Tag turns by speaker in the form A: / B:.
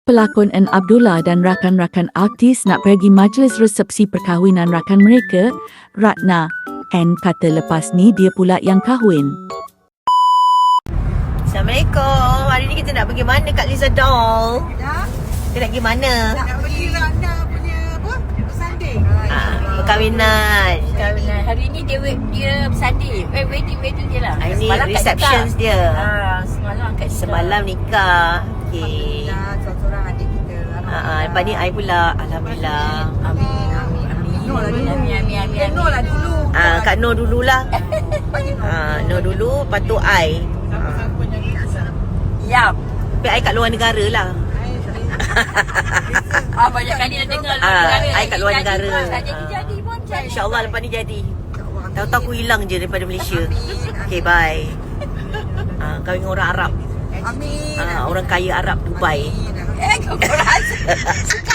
A: pelakon N. Abdullah dan rakan-rakan artis nak pergi majlis resepsi perkahwinan rakan mereka, Ratna. N kata lepas ni dia pula yang kahwin.
B: Assalamualaikum. Hari ni kita nak pergi mana Kak Liza Doll?
C: Dah?
B: Kita nak pergi mana?
C: Nak pergi Ratna punya apa? Sanding.
B: Perkahwinan.
D: Kahwinan. Hari ni dia bersanding. Wedding dia lah.
B: Hari ni
D: Semalam kat
B: receptions
D: nikah.
B: dia.
D: Semalam kat nikah.
B: Semalam nikah. Okay.
C: Alhamdulillah, seorang adik kita.
B: Lepas ni I pula. Alhamdulillah.
D: Amin.
C: Nur lah dulu.
D: Amin.
C: Nur lah dulu.
B: Kak Nur dululah.
C: Bagi Nur.
B: Nur dulu, lepas tu I.
D: Ya.
B: Tapi I kat luar negara lah.
D: Banyak kali dah dengar
B: I kat luar negara.
D: Jadi pun jadi.
B: InsyaAllah lepas ni jadi. Tahu-tahu aku hilang je daripada Malaysia. Okay, bye. Kahwin dengan orang Arab.
C: Amin.
B: Orang kaya Arab Dubai.
D: Kau rasa